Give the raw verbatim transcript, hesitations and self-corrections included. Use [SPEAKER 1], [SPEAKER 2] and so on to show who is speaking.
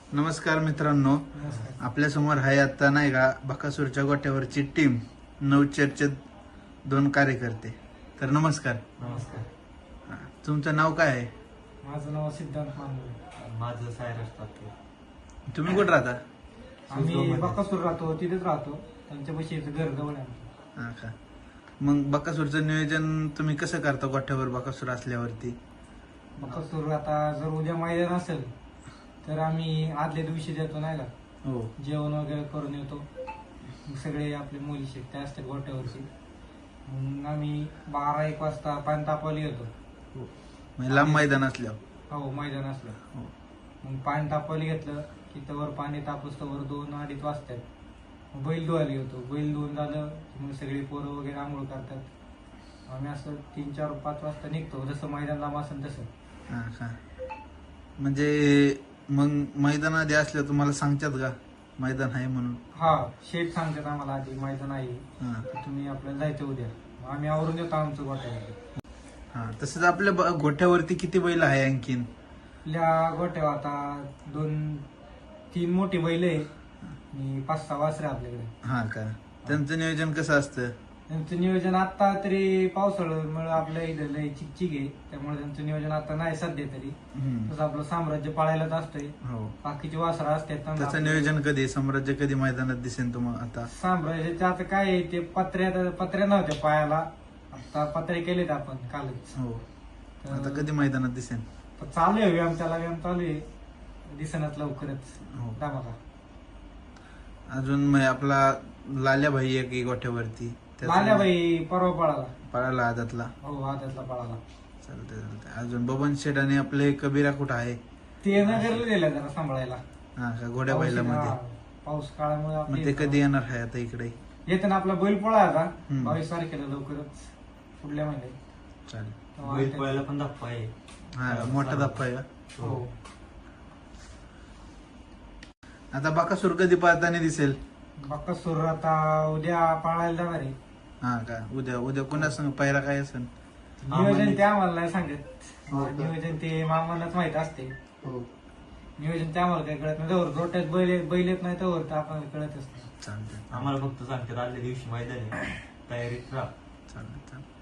[SPEAKER 1] नमस्कार मित्रांनो, आपल्या समोर आहे आता नाही का बकासूरच्या गोट्यावरची टीम नवचर्चे दोन कार्यकर्ते. तर नमस्कार.
[SPEAKER 2] नमस्कार.
[SPEAKER 1] हा, तुमचं नाव काय आहे?
[SPEAKER 2] माझं नाव सिद्धांत मानवे. माझं सायरस ठाकरे.
[SPEAKER 1] तुम्ही कुठं राहता?
[SPEAKER 2] आम्ही बकासूर राहतो, तिथेच राहतो. त्यांच्यापाशी इथं घर जवळ आहे आमचं.
[SPEAKER 1] हा का. मग बकासूरचं नियोजन तुम्ही कसं करता गोठ्यावर बकासूर असल्यावरती?
[SPEAKER 2] बकासूर आता जर उद्या मैदान असेल तर आम्ही आदल्या दिवशी देतो नाही का,
[SPEAKER 1] हो.
[SPEAKER 2] जेवण वगैरे करून येतो. मग सगळे आपले मुली शिकते असते गोट्यावरची. मग आम्ही बारा एक वाजता पाणी तापवायला येतो.
[SPEAKER 1] म्हणजे लांब मैदान असल्यावर?
[SPEAKER 2] हो, मैदान असलं.
[SPEAKER 1] हो.
[SPEAKER 2] मग पाणी तापवायला घेतलं की तवर पाणी तापस तवर दोन अडीच वाजतात. मग बैल धुवायला येतो. बैल धुवून झालं की मग सगळी पोरं वगैरे आंघोळ करतात. आम्ही असं तीन चार पाच वाजता निघतो, जसं मैदान लांब असेल तसं.
[SPEAKER 1] हा का. म्हणजे मग मैदान आधी असल्या तुम्हाला सांगतात का मैदान आहे म्हणून?
[SPEAKER 2] हा, शेठ सांगतात आम्हाला आधी मैदान आहे,
[SPEAKER 1] हा.
[SPEAKER 2] तर तुम्ही आपल्याला जायचं उद्या. मग आम्ही आवरून देतो आमचं गोट्यामध्ये.
[SPEAKER 1] हा, तसंच आपल्या ब- गोठ्यावरती किती बैल आहे आणखीन?
[SPEAKER 2] आपल्या गोट्यावर आता दोन तीन मोठी बैल आहे आणि पाच सहा वासरे आपल्याकडे.
[SPEAKER 1] हा का. त्यांचं नियोजन कसं असतं?
[SPEAKER 2] त्यांचं नियोजन आता तरी पावसाळ्यामुळे आपल्या इथं लय चिकचिक आहे, त्यामुळे त्यांचं नियोजन आता नाही सध्या तरी.
[SPEAKER 1] हम्म.
[SPEAKER 2] तसं आपलं साम्राज्य पाळायलाच असतंय.
[SPEAKER 1] हो.
[SPEAKER 2] बाकीची वासरं असतात त्यांना
[SPEAKER 1] त्याचं
[SPEAKER 2] आपलं-
[SPEAKER 1] नियोजन कधी, साम्राज्य कधी मैदानात दिसेल तुम्हाला आता?
[SPEAKER 2] साम्राज्याचं आता काय आहे, ते पत्र्या पत्र्या नव्हत्या पायाला, आता पत्रे केलेत आपण कालच.
[SPEAKER 1] हो.
[SPEAKER 2] तर
[SPEAKER 1] आता कधी मैदानात दिसेल?
[SPEAKER 2] तर चालू आहे व्यायाम, त्याला व्यायाम चालू आहे, दिसण्यात लवकरच.
[SPEAKER 1] हो.
[SPEAKER 2] दामाला
[SPEAKER 1] अजून मग आपला लाल्या भाई एक एक गोठ्यावरती त्याचं
[SPEAKER 2] लाल्याबाई परवा पळाला.
[SPEAKER 1] पळाला आदातला.
[SPEAKER 2] हो, आदतला पळाला.
[SPEAKER 1] चालतंय चालतंय. अजून बबन शेठ आणि आपले कबीरा कुठं आहे?
[SPEAKER 2] ते नगरला दिलं जरा सांभाळायला.
[SPEAKER 1] हा का. घोड्या
[SPEAKER 2] पाऊस-
[SPEAKER 1] बैलामध्ये.
[SPEAKER 2] हा, पाऊस काळामुळे
[SPEAKER 1] मग
[SPEAKER 2] आपले
[SPEAKER 1] ते कधी येणार आहे आता इकडे?
[SPEAKER 2] येतं ना आपला बैल पोळा आता
[SPEAKER 1] हम्म.
[SPEAKER 2] बावीस तारखेला लवकरच, पुढल्या महिन्यात.
[SPEAKER 1] चालेल.
[SPEAKER 2] तेव्हा
[SPEAKER 3] बैल
[SPEAKER 2] ते-
[SPEAKER 3] पळायला पण धप्पा आहे.
[SPEAKER 1] हा, मोठा धप्पा आहे का?
[SPEAKER 2] हो.
[SPEAKER 1] आता बकासूर कधी पाहताना दिसेल?
[SPEAKER 2] बकासूर आता उद्या पाळायला जाणार आहे.
[SPEAKER 1] हा का. उद्या उद्या कुणा संग पायरा काय असेल?
[SPEAKER 2] नियोजन ते आम्हाला नाही सांगत.
[SPEAKER 1] हो का?
[SPEAKER 2] नियोजन ते मामांनाच माहित असते.
[SPEAKER 1] हो.
[SPEAKER 2] नियोजन ते आम्हाला काही कळत नाही. जवळ रोट्यात बैल बैल येत नाही तवर तर आपल्याला कळतच नाही.
[SPEAKER 1] चालतंय
[SPEAKER 3] आम्हाला फक्त सांगतात आदल्या दिवशी मैदान आहे, तयारीत राहा.
[SPEAKER 1] चालतंय चालतंय.